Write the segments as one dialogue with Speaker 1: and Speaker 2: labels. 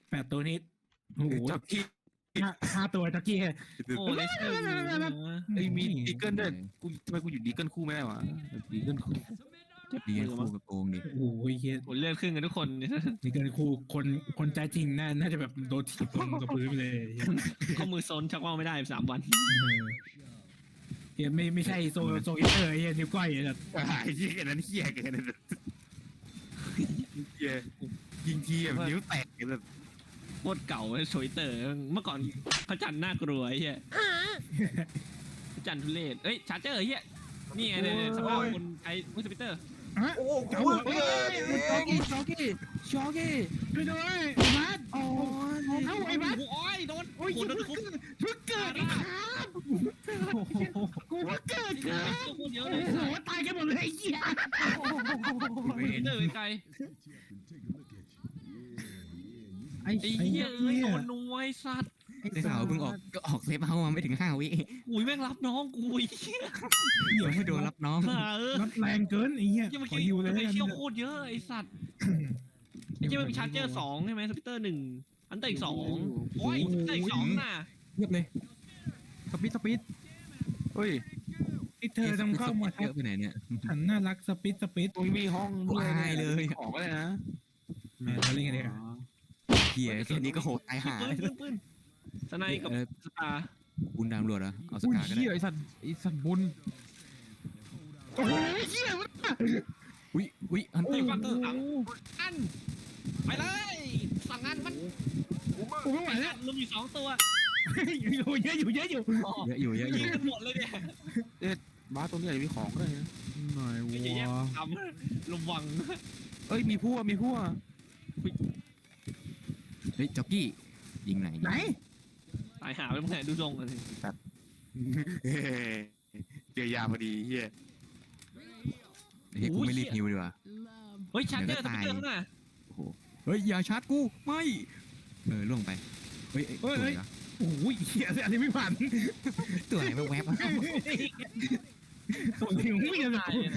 Speaker 1: 8 ตัวนี้โอ้โห
Speaker 2: จ็อกกี้
Speaker 1: 5 ตัวจ็อกกี้
Speaker 3: โอ้เลสเตอร์
Speaker 2: ไอ้มีดีเกิลด้วยกูทำไมกูอยู่ดีเกิลคู่ไม่ได้วะดีเกิลคู่
Speaker 4: ดีกันคู่กับโกงดิ
Speaker 1: โอ้โหเฮีย
Speaker 3: ผลเลือดครึ่งกันทุกคน
Speaker 1: นี่เกินครูคนใจจริงน่าจะแบบโดนถีบลงกับพื้นไปเลยเหี้ย
Speaker 3: ข้อมือซนชักว่าวไม่ได้3 วัน
Speaker 1: เฮียไม่ใช่โซอิเตอร์เฮียนิ้วก้อยแบบ
Speaker 2: ไอ้เหี้ยนั้นเหี้ยแกนั่นเหี้ยยิงทีแบบนิ้วแตกแบบ
Speaker 3: โคตรเก่าโชยเตอร์เมื่อก่อนพระจันทร์น่ากลัวไอ้เหี้ยพระจันทร์ทุเรศเอ้ยชาร์เจอร์เฮียนี่ไงเนี่ยสภาพคนไอ้มุสปิเตอร์
Speaker 1: โอ้เก๋าช็อกกี้ไปด้วยไอ้บัสโอ้ไอ้บัส
Speaker 3: โอ้ยโดน
Speaker 1: โอ้ย
Speaker 3: โดนทุบ
Speaker 1: เพิ่งเกิดครับกูเพิ่งเกิดครับ
Speaker 3: โคตรเยอะ
Speaker 1: โอ้
Speaker 3: เลย
Speaker 1: โหตายกันหมดเลยไอ้เหี้ย
Speaker 3: เตอร์ไกล
Speaker 1: ไอ้
Speaker 3: ไอ้เหี้ยเอ้ยโดนนวยสัตว์
Speaker 4: ได้ข่าวเพิ่งออกเซฟเฮาส์มาไม่ถึง5 วิ
Speaker 3: อุ้ยแม่งรับน้องกูไอ้เหี้ย
Speaker 4: เดี๋ยวให้โดนรับน้อง
Speaker 1: รับแรงเกินไอ้เหี้ย
Speaker 3: ยังเมื่อ
Speaker 1: ขอ
Speaker 3: กี้
Speaker 1: อยู่เลย
Speaker 3: ไอ้เชี่ยวโคตรเยอะไอ้สัตว์ไอ้เชี่ยมันมีชาร์เจอร์2ใช่ไหมสปิเตอร์1อันเตอร์อีก2โอ้ยสปิเตอร์อีก2น่ะ
Speaker 4: เรียบเลย
Speaker 2: สปีดเฮ้ย
Speaker 1: ไอ้เธอต้องเข้ามา
Speaker 4: เยอะไปไหนเนี่ย
Speaker 1: ฉันน่ารักสปิด
Speaker 2: ตรงนี้มีห้อง
Speaker 4: กูอายเลย
Speaker 2: ของอะไรนะ
Speaker 1: แม่เราเล่นกันเลย
Speaker 4: เหี้ยแค่นี้ก็โหดตายหา
Speaker 3: ปืนสไนกับสตาร์
Speaker 4: บุญดามรวดเหรอเอาส
Speaker 5: อุ้ย
Speaker 4: กาก็ได้
Speaker 5: เหี้ยไอสัตว์บุญ
Speaker 1: โอ้ยเหี้ย
Speaker 4: อุ้ยอัน
Speaker 3: ไอ้ฟังเตอร์อันไปเลยสั่งงานมัน
Speaker 1: กูไม่ไหวแล้ว
Speaker 3: ลุมอยู่2 ตัว
Speaker 1: อยู่เยอะอยู่
Speaker 4: เยอะอยู่เยอะอ
Speaker 3: ยิ
Speaker 4: ยู่
Speaker 3: งกันหมดเลยเนี่ย
Speaker 2: บ้าตรงนี้อาจจะมีของก็ได้นะ
Speaker 5: หน่อย
Speaker 3: ไอ้เหี้ยว
Speaker 5: ะ
Speaker 3: ทำระวัง
Speaker 2: เอ้ยมีพวก
Speaker 4: เฮ้ยจ็อกกี้ยิงไหน
Speaker 1: ไหน
Speaker 3: ตายหาไปเมื่อไหร่ดูทรงเลย
Speaker 2: เจอยาพอดีเฮีย
Speaker 4: เฮ้ยกูไม่รีบฮิวดีกว่า
Speaker 3: เฮ้ยชาร์เจอร์สปิเตอร์ข้างหน้า
Speaker 4: โอ้โหเฮ้ยอย่าชาร์จกูไม่ล่วงไปเฮ้ยตัวไหนวะ
Speaker 1: โอ้ยเหี้ยอันนี้ไม่ผ่าน
Speaker 4: ตัวไหนแวบๆ
Speaker 1: ตัวนี้ไม่ยัง
Speaker 3: ตายเนี่ย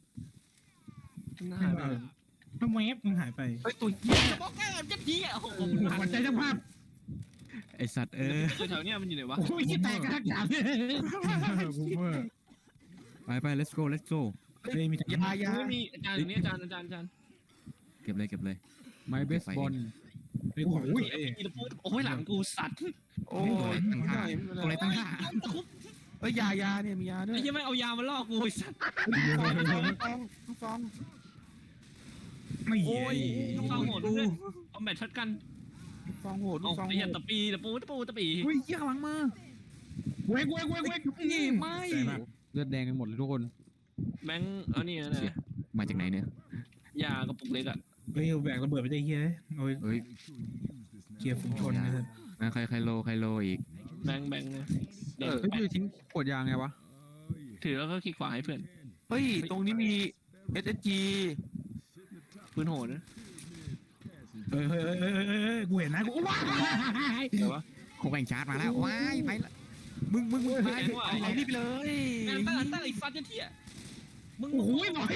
Speaker 3: หน้าแบบ
Speaker 1: ทำไมแอปมันหายไป
Speaker 2: เฮ้ยตัวเฮีย
Speaker 3: บอกแกจะเหี้ยโอ้โห
Speaker 1: ขวัญใจเจ้าภาพ
Speaker 4: ไอสัตว์
Speaker 3: แถวเนี้ยมันอยู่ไหนวะ
Speaker 1: โอ้ยแตกกระหักยาเลย
Speaker 5: บูมเมอร์
Speaker 4: ไป let's go
Speaker 1: เฮ้ยมี
Speaker 2: ยายา
Speaker 3: ไม่มีอาจารย์อยู่นี่อาจารย์
Speaker 4: เก็บเลย
Speaker 5: ไมเบสบอล
Speaker 1: โอ้โห
Speaker 3: อีลพูดโอ้ยหลังกูสัตว์
Speaker 2: โอ้ย
Speaker 4: ตัวอะไรตั้งห้า
Speaker 2: เอ้ยยาเนี่ยมียาด้วย
Speaker 3: ไอ้ยังไม่เอายามาล่อกูไอ้สัตว์
Speaker 2: ฟอง
Speaker 1: ไม่
Speaker 3: โอ้ยลูกซองโหดด้วยเอาแมทช็อตกัน
Speaker 2: ฟองโหด
Speaker 3: เอา
Speaker 2: ฟอง
Speaker 3: ไอ้ยันตะปีตะปูตะปี
Speaker 5: อุ้ยเหี้ยข้างหลังมา
Speaker 1: เว้ยนี่
Speaker 4: ไม่
Speaker 5: เลือดแดงกันหมดเลยทุกคน
Speaker 3: แบงค์เอานี่นะ
Speaker 4: มาจากไหนเนี่ย
Speaker 3: ยากระปุกเล็กอ่ะ
Speaker 1: เฮ้ยแบกระเบิดไปได้เฮียโอ้ย
Speaker 4: เฮ้ย
Speaker 1: เกียร์ฝูงชนนะครับ
Speaker 4: ใครโลอีก
Speaker 3: แบงค์นะเด็ก
Speaker 5: เฮ้ยพี่ทิ้งขวดยางไงวะ
Speaker 3: ถือแล้วก็คลิกขวาให้เพื่อน
Speaker 2: เฮ้ยตรงนี้มี SSG
Speaker 3: ปืนโหดนะ
Speaker 1: เฮ้ยกูเห็นนะกูว้าย
Speaker 2: เดี๋ยววะ
Speaker 4: โคแบ่งชาร์จมาแล้วว้ายไปละมึงไป
Speaker 2: เอานี่ไปเลย
Speaker 3: แม่งตั้งไอ้ฟันจะเที่ยมึง
Speaker 1: โอ้โหลอย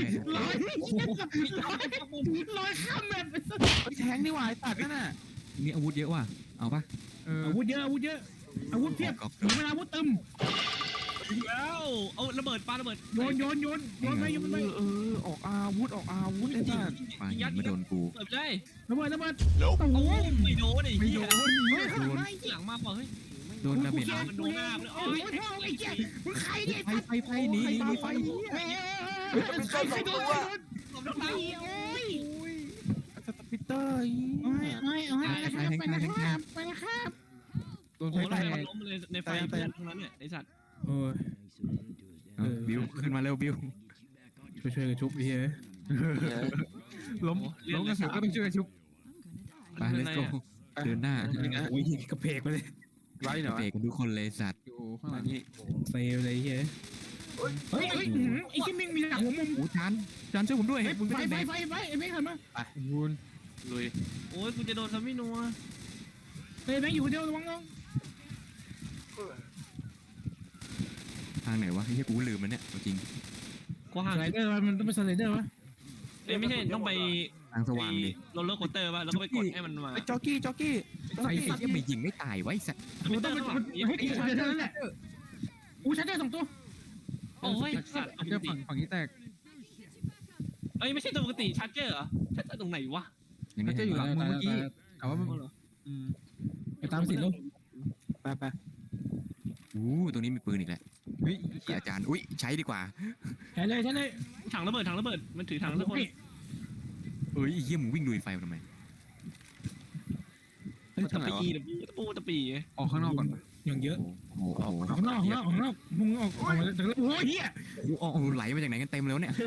Speaker 1: ข้ามแบบ
Speaker 2: เฮ้ยแทงนี่หว่าไอ้ตัดนั่นน่ะ
Speaker 4: มีอาวุธเยอะว่ะเอาปะ
Speaker 1: อาวุธเยอะอาวุธเพียบถึงเวลาอาวุธตึม
Speaker 3: แล้วเอาระเบิดปาระเบิด
Speaker 1: โยนไป
Speaker 2: ออกอาวุธไอ้ตัด
Speaker 4: ไปไม่โดนกู
Speaker 3: เปิดได้
Speaker 1: ระเบิด
Speaker 3: โอ้ไม่โดนไอ้เหี้ย
Speaker 1: เฮ้ย
Speaker 3: หลังมาเปล่าเฮ้ย
Speaker 4: โดนดาเมจ
Speaker 3: มันโดนหน้าเลย
Speaker 1: โอ้ยไอ้เจ๊มึงใครเนี่ย
Speaker 4: ไฟหนีไฟ
Speaker 1: ใครโดน
Speaker 3: ตบน้ำตา
Speaker 1: โอ้ย
Speaker 2: สปิเตอร์
Speaker 1: ไปนะครับ
Speaker 5: โดน
Speaker 3: โอ้
Speaker 5: ไฟ
Speaker 3: โห
Speaker 5: แต
Speaker 3: มัน
Speaker 5: ก
Speaker 3: ล้มเลยในไฟเพื่อนทั้งนั้นเนี่ยไอ้สัตว์
Speaker 1: โอ้ย
Speaker 4: บิวขึ้นมาเร็วบิว
Speaker 1: ช่วยกันชุบเฮีย
Speaker 5: ล้มกระสุนก็ต้องช่วยกันชุบ
Speaker 4: ไป let's go เดินหน้า
Speaker 1: โอ้ยกระเพกไปเลย
Speaker 2: ไรเหรอ
Speaker 4: เบรกกันทุกคนเลยสัตว์
Speaker 5: อยู่ข้างหลัง
Speaker 2: นี่
Speaker 1: เซลเลยเฮียเฮ้ยไอ้ที่มึงมีหลังหัวมุม
Speaker 4: โอ้จานช่วยผมด้วยมึง
Speaker 1: ไฟ
Speaker 4: ไม่ได้
Speaker 1: ไฟ
Speaker 4: แบก
Speaker 1: ไอ้แม่งหันมา
Speaker 5: บุญ
Speaker 2: ลุย
Speaker 3: โอ้ยกูจะโดนทำไม่นัว
Speaker 1: เฮ้ยแม่งอยู่คนเดียวระวังน้อง
Speaker 4: ทางไหนวะที่กูลืมมันเนี่ยจริง
Speaker 3: กว้าง
Speaker 1: สไลเดอร์มันต้องเป็นสไลเดอร์วะ
Speaker 3: เอ้ยไม่ใช่ต้องไป
Speaker 4: ทางสว่างดิ
Speaker 3: โรลเลอร์โคสเตอร์ป่ะแล้วก็ไปกดให้มันมา
Speaker 2: ไอ้จ็อกกี้จ็อกกี้
Speaker 4: ไอ้เหี้ยไม่ยิงไม่ตายไว้สัตว์
Speaker 1: มันต้องมันให้กี่ชาร์เจอร์นั่นแหละอู้ชาร์เจอร์2ตัว
Speaker 3: โอ้ยสัตว์
Speaker 5: เจอฝั่งนี้แตก
Speaker 3: เอ้ยไม่ใช่ตัวปกติชาร์เจอร์เหรอชาร์เจอร์ตรงไหนวะ
Speaker 5: เขาจะอยู่หลังมึงเมื่อกี้แต่ว่ามัน
Speaker 1: ไปตามสิลูก
Speaker 2: ไป
Speaker 4: ตรงนี้มีปืนอีกแล้ว
Speaker 5: เฮ้ย
Speaker 4: อาจารย์อุ้ยใช้ดีกว่า
Speaker 1: ใช่เลย
Speaker 3: ถังระเบิดมันถือถังระเบิด
Speaker 4: เอ้ยเหี้ยมึงวิ่งลุยไฟมาทำไม
Speaker 3: ตะปีตะปี
Speaker 5: ออกข้างนอกก่อน
Speaker 1: อย่างเยอะ
Speaker 4: โอ้โห
Speaker 1: ออกข้างนอกมึงออกมาจากโอ้ยเหี้ย
Speaker 4: โอ้โหไหลมาจากไหนกันเต็มแล้วเนี่ย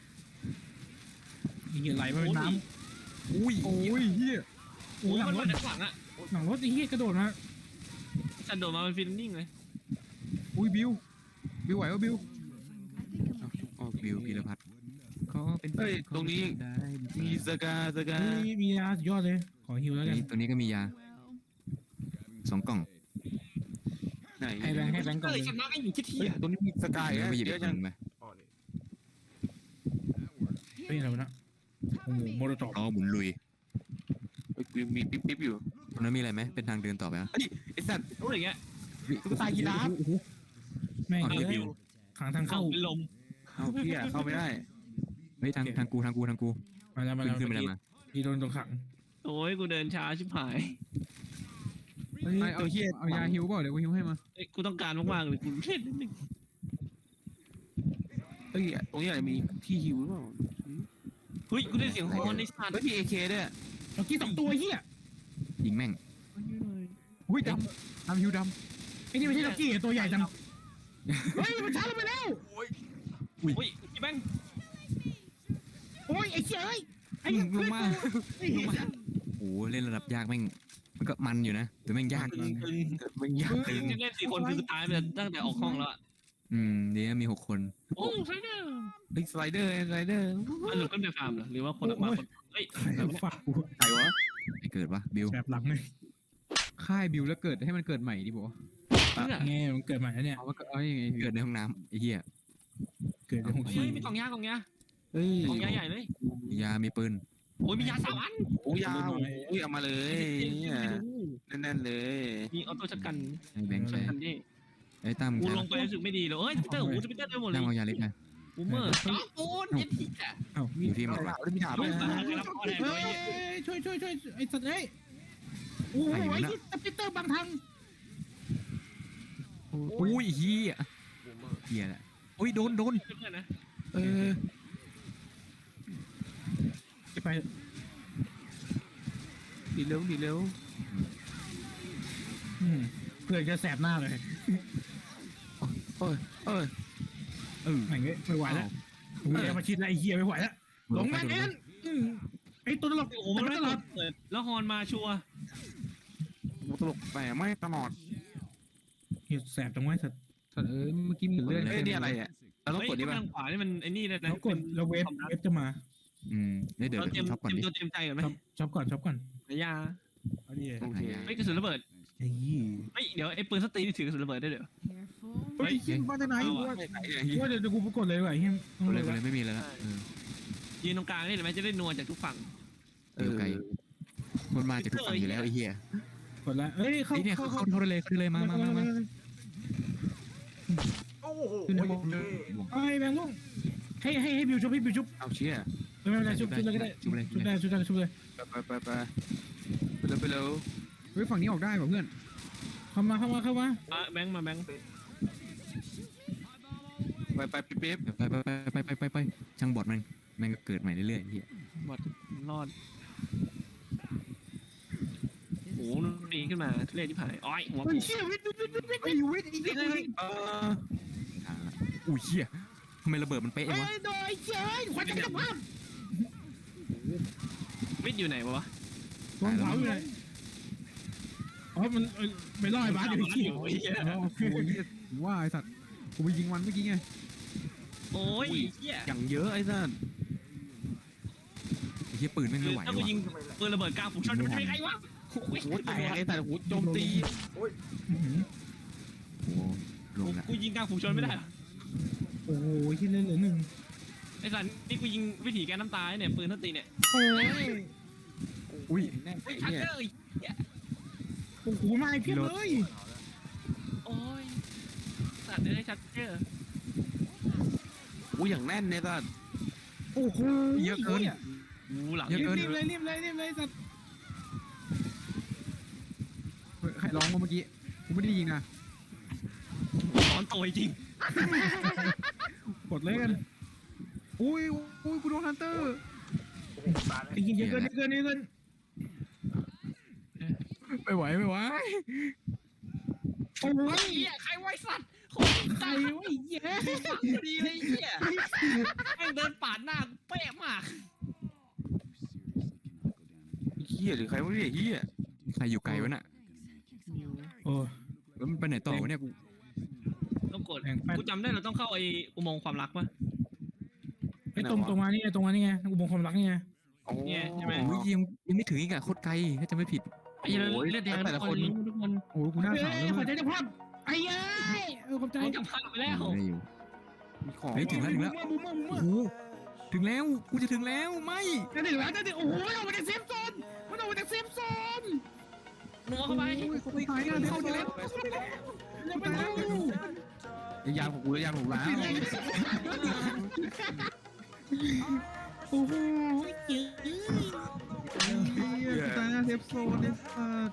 Speaker 1: เหี้ยไหลมาเป็นน้
Speaker 4: อุ้ย
Speaker 5: โอ้ยเฮีย
Speaker 1: ำ
Speaker 3: โอ้ยมันมาจากหลังอ่ะ
Speaker 1: หลังรถไอ้เหี้ยกระโดดมา
Speaker 3: ฉันโดดมาเป็นฟิลนิ่งเลย
Speaker 5: อุ้ยบิวไหววะบิว
Speaker 4: บิวพีรพัฒน์เขาเป็น
Speaker 2: เฮ้ยตรงนี้มีสกา
Speaker 1: มียาสุดยอดเลยขอฮิวแล้วกัน
Speaker 4: ตัวนี้ก็มียา2 กล่อง
Speaker 2: ไหน
Speaker 1: ให้แบงค์ก่อน
Speaker 3: เล
Speaker 1: เลย ย
Speaker 3: ชนะกันอยู่ที่ที่
Speaker 2: ตรงนี้มีสกาย
Speaker 4: ไม่หยิบ
Speaker 2: เย
Speaker 4: อี
Speaker 2: อะ
Speaker 4: ก
Speaker 2: จัง
Speaker 4: หนึ่งไป
Speaker 1: เฮ้ยอะไรวะนะโอ้โหโมโดตอบ
Speaker 4: อ๋อหมุนลุย
Speaker 2: กูมีปิ๊บอยู่
Speaker 4: ตรงนั้นมีอะไรไหมเป็นทางเดินต่อไปอ่ะ
Speaker 2: ไอ้สัตว์
Speaker 3: รู้อย่างเงี้ย
Speaker 2: ตุ๊กตายีราฟ
Speaker 1: แม่ง
Speaker 4: อ๋อนี่
Speaker 1: เล
Speaker 4: บิ
Speaker 1: ยว ขังทาง
Speaker 3: เข้า
Speaker 1: เข้า
Speaker 3: เป็นลม
Speaker 2: เอาพี่อะเข้าไม่ได้
Speaker 4: เฮ้ยทางกู
Speaker 1: มาแล้ว
Speaker 4: ขึ้นไปแล้วมา
Speaker 1: พี่โดนตรงขัง
Speaker 3: โอ้ยกูเดินช้าชิบหาย
Speaker 2: ตัวเฮีย
Speaker 5: เอายาฮิวเปล่าเดี๋ยวกูฮิวให้มา
Speaker 3: กูต้องการมากๆเลยกูเล่นนิดนึง
Speaker 2: เฮ้ยตรงนี้อาจจะมีที่ฮิวหรือเปล่า
Speaker 3: เฮ้ยกูได้เสียงฮอร์นในสัตว์
Speaker 2: เฮ้ยมีเอเคด้วย
Speaker 1: เมื่อกี้2ตัวเหี้ย
Speaker 4: ยิงแม่ง
Speaker 5: อุ้ยดำฮิวด
Speaker 1: ไอ้นี่ไม่ใช่ล็อกกี้ตัวใหญ่จังเฮ้ยมันช้าลงไปแล้ว
Speaker 3: อุ้ยพี่แบงค์
Speaker 1: โอ้ยไอ้เจ้ยไอ้
Speaker 4: ลงมา
Speaker 1: ไอ้เหี้ย
Speaker 4: โอ้เล่นระดับยากแม่งมันก็มันอยู่นะแต่แม่งยาก
Speaker 2: มันยาก
Speaker 3: ตึงเล่น4 คนคือตายไปตั้งแต่ออกห้องแล้ว
Speaker 4: เดี๋ยวมี6 คน
Speaker 3: โอ้ใช่เด้อ
Speaker 2: เฮ้ยสไลเดอร์
Speaker 3: มันหลุดขึ้นไปฟาร์มเหรอหรือว่าคนออกมาเฮ้ย
Speaker 1: ฝากกู
Speaker 2: ไหนวะ
Speaker 4: ไอ้เกิดวะบิว
Speaker 1: แบบหลังเลย
Speaker 5: ำค่ายบิวแล้วเกิดให้มันเกิดใหม่ดิบอกว่า
Speaker 1: ไงมันเกิดใหม่แล้วเนี่ย
Speaker 5: เอาว่าเอายังไง
Speaker 4: เกิดในห้องน้ำไอ้เหี้ย
Speaker 1: เกิดในห้อง
Speaker 3: เฮ้
Speaker 1: ขี้
Speaker 3: ยมีกล่องยากล่องยา
Speaker 2: เฮ้ย
Speaker 3: กล่องยาใหญ่เลย
Speaker 4: มียามีปืน
Speaker 3: โอ้ยมียา3 อัน
Speaker 2: โอ้ยาวโอ้ยเอามาเลยแน่นๆเลย
Speaker 3: มีออโต้ชักกัน
Speaker 4: ให้แบงค์
Speaker 3: ชั
Speaker 4: ใช้
Speaker 3: กกันดิ
Speaker 4: ไอ้ตั้ม
Speaker 3: กู
Speaker 4: ใช้
Speaker 3: ลงไปรู้สึกไม่ดีเลยเฮ้ยสปิเตอร์สปิเตอร์ได้หมดเล
Speaker 4: ตั้
Speaker 3: ย
Speaker 4: มเอายาเล็กนะ
Speaker 3: บูมเมอร์จ้าปูนเย็นที่อ่ะ
Speaker 1: เอ้า
Speaker 4: อยู่ที่หมดวะ
Speaker 2: แล้วมีถาม
Speaker 3: ลู
Speaker 2: ด้วย
Speaker 3: ก
Speaker 2: นะ
Speaker 3: ตาครับพ่อแดง
Speaker 1: เฮ้ยช่วยไอ้สัตว์เอ้ยโอ้โหไอ้ที่สปิเตอร์บางทาง
Speaker 4: อุ้ยเหี้ยเหี้ยแหละโอ้ยโดน
Speaker 3: เพื่อนนะ
Speaker 1: จะไป
Speaker 2: ดีเร็ว
Speaker 1: เพื่อนจะแสบหน้าเลย
Speaker 2: เอ้ย
Speaker 4: เออ
Speaker 1: แม่งไม่ไหวแล้วเฮียมาชิดแล้วไอ้เฮียไม่ไหวแล้วลงแม่งเอ็นไอ้ตัวตลก
Speaker 3: โอ้มันไม่ตลอดเปิดแล้วฮอนมาชัว
Speaker 2: ตลกแต่ไม่ตลอด
Speaker 1: เฮียแสบจังวะสัตว์
Speaker 5: สัตว์เมื่อกี้มีเลือด
Speaker 2: เอ้ยนี่อะไรอ่ะเราต้อง
Speaker 3: เฮ้ย
Speaker 2: กดนี่
Speaker 3: ทา
Speaker 2: ป่ะ
Speaker 3: งขวานี่มันไอ้นี่นะ
Speaker 1: แล้วกดแล้วเวฟจะมา
Speaker 4: เดี๋ยว
Speaker 3: เราเตรียม
Speaker 4: ช็อปก่อนดิ
Speaker 3: ตัวเตรียมใจก่อนไหม
Speaker 1: ช็อปก่อน
Speaker 3: ยา
Speaker 1: เอาดิ
Speaker 2: โอเค
Speaker 3: เฮ้ยกระสุนระเบิด
Speaker 1: ไอ้ยี่
Speaker 3: เฮ้ยเดี๋ยวไอ้ปืนสตีนี่ถือกระสุนระเบิดได้เดี๋ยว
Speaker 1: เฮ้ยยิงมาจากไหนวะ
Speaker 2: ไม่ไหนเนี่ย
Speaker 1: ว่าเดี๋ยวกูกดเลยว่ะเฮีย
Speaker 4: ตัวเลยไม่มีแล้ว
Speaker 3: ยืนตรงกลางนี่เห็นไหมจะได้นัวจากทุกฝั่ง
Speaker 4: อยู่ไกลมันมาจากทุกฝั่งอยู่แล้วไอ้เหี้ย
Speaker 1: กดแล้วเฮ้ยเข้า
Speaker 4: เนี่ยเขาเลยมา
Speaker 5: ขึ้นให้หมด
Speaker 1: ไอ้แบงค์ลุงให้บิวชุบ
Speaker 2: เอาเชี่ย
Speaker 1: ไม่เป็นไรชุบเลยก็ได้ชุบเลย
Speaker 2: ไปเร็ว
Speaker 5: เฮ้ยฝั่งนี้ออกได้ป่ะเพื่อน
Speaker 1: เข้ามา
Speaker 3: แบงค์มาแบงค์
Speaker 2: ไปปิ๊บ
Speaker 4: ไปช่างบอดมันก็เกิดใหม่เรื่อยๆเหี้ย
Speaker 3: บอดรอดโอ้โหดีขึ้นมาทุเรศที่ผ่านอ้อยหัว
Speaker 1: เฮ้ยเชี่ยวิทอีกนิดนึง
Speaker 4: อุ้ยเหี้ยทำไมระเบิดมันเป๊ะ
Speaker 1: เฮ้
Speaker 4: วะ
Speaker 1: ยโดยเชี่ยขวัญจักรพรรดิ
Speaker 3: วิทย์อยู่ไหนวะ
Speaker 1: วงเผาอยู่ไหนอ๋อมันไม่รอดบ้านอยู่ที่
Speaker 5: โอ้ยว่าไอสัตว์กูไปยิงมันเมื่อกี้ไง
Speaker 3: โอ้ยเหี้ย
Speaker 2: อย่างเยอะไอ้นั่น
Speaker 4: ไอ้เหี้ยปืนไม่ไหว
Speaker 3: ถ้ากู
Speaker 4: ว่ะ
Speaker 3: ยิงปืนระเบิดกลางฝูงชนมันใช่ไงวะ
Speaker 2: โอ้แตกไอ้แต่หูโจมตี
Speaker 4: โอ้ลงละ
Speaker 3: กูยิงกลางฝูงชนไม่ได้
Speaker 1: โอ้โหที่เหลือหนึ่ง
Speaker 3: ไอ้สันนี่กูยิงวิถีแกน้ำตาเนี่ยปืนทันตีเนี่ย
Speaker 1: โอ้ย
Speaker 5: อุ้ย
Speaker 2: แน่น
Speaker 3: เฮ้ย
Speaker 2: ไอ้
Speaker 3: ชัด
Speaker 2: เนี่ย
Speaker 3: เจออีก
Speaker 1: โอ้โหมาอีกเพียบเลย
Speaker 3: โอ้ยสัตว์เลยชัดเจอ
Speaker 2: อู้อย่างแน่นเนี่ยสัตว์
Speaker 1: โอ้โห
Speaker 5: เยอะเกิน
Speaker 3: กูหลัง
Speaker 5: เยอะเกิน
Speaker 1: รีบเลยรีบเลยรีบเลยสัตว์
Speaker 5: เฮ้ยใครร้องมาเมื่อกี้กูไม่ได้ยิงนะ
Speaker 3: ตอนโตจริง
Speaker 1: กดเลยกัน
Speaker 5: อุ้ยอุ้ยกูโดนฮันเตอร์
Speaker 1: ไอ้เหี้ยเยอะเกินเยอะเกินเยอะเกิน
Speaker 5: ไม่ไหวไม่ไหว
Speaker 1: โอ้ย
Speaker 3: เฮียใครไว้สัตว์โคตร
Speaker 1: ใจ
Speaker 3: ตาย
Speaker 1: เว้ยเย้
Speaker 3: ดีเลยเฮียแม่งเดินปาดหน้ากูเป๊ะมาก
Speaker 2: เฮียหรือใครวะเนี่ยเฮีย
Speaker 4: ใครอยู่ไกลวะน่ะ
Speaker 1: โอ้
Speaker 4: แล้วมันไปไหนต่อวะเนี่ยกู
Speaker 3: ต้องกดกูจำได้เราต้องเข้าไอ้อุโมงค์ความรักปะ
Speaker 1: ไอ้ตรงมานี่ไงตรงมานี่ไงอุโมงค์ความรักนี่ไง
Speaker 2: โอ้
Speaker 3: เนี่ยใช่ไหม
Speaker 4: โอ้ยยังไม่ถึงอีกอะโคตรไกลถ้าจะไม่ผิด
Speaker 3: ไอ้เรื่องเลือดแดงทุกคนทุกคน
Speaker 5: โอ้ยกูหน้า
Speaker 1: เฮ้
Speaker 5: ขาวเลย
Speaker 1: ยขอ
Speaker 5: เว้ย
Speaker 1: ใจจะพับไอ้เย้ยขอบใจ
Speaker 3: ผมจำภาพไปแล้ว
Speaker 4: ได้อยู่
Speaker 2: มีของ
Speaker 4: เฮ้ยถึงแล้ว
Speaker 1: บูมเมอร์บูมเมอ
Speaker 4: โอ้
Speaker 1: ร์
Speaker 4: โหถึงแล้วกูจะถึงแล้วไม่
Speaker 1: จะถึงแล้วจะถึงโอ้โหมันออกมาจากเซฟโซนมันออกมาจากเซฟโซน
Speaker 3: นัวเข้าไป
Speaker 5: โอ้ยเขาไปตายกันเข้าไปแล้ว
Speaker 1: ยังไม่รู้
Speaker 2: ยางของกูยางของร้าน
Speaker 1: โอ้โหเจ๋ง
Speaker 5: เฮียตายหน้าเซฟโซนเนี่ยสัตว์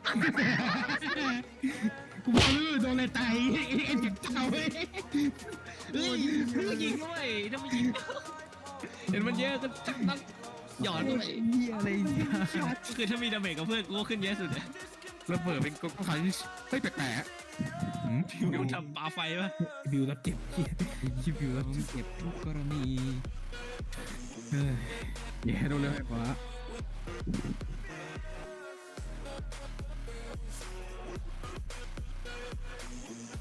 Speaker 1: กูบอกเลยโดนอะไรตายไอ้เด็กเก่าเว้ย
Speaker 3: เฮ้ยยิงด้วยถ้าไม่ยิงเห็นมันเยอะก็ต้องหยอดด้วย
Speaker 5: เฮียอะไรเนี่ย
Speaker 3: คือถ้ามีดาเมจกับเพื่อนกูก็ขึ้นเยอะสุดเลย
Speaker 2: ระเบิดเป็นก๊อกไฟเฮ้ยแปลก
Speaker 4: หืม
Speaker 3: ดูทำปาไฟปะ
Speaker 1: บิวรับเจ็บเหี้ย
Speaker 5: ชิบอยู่แล้ว
Speaker 4: เก็บทุกกรณี
Speaker 1: เออ
Speaker 5: แย่โดนเลยไอ้ขวา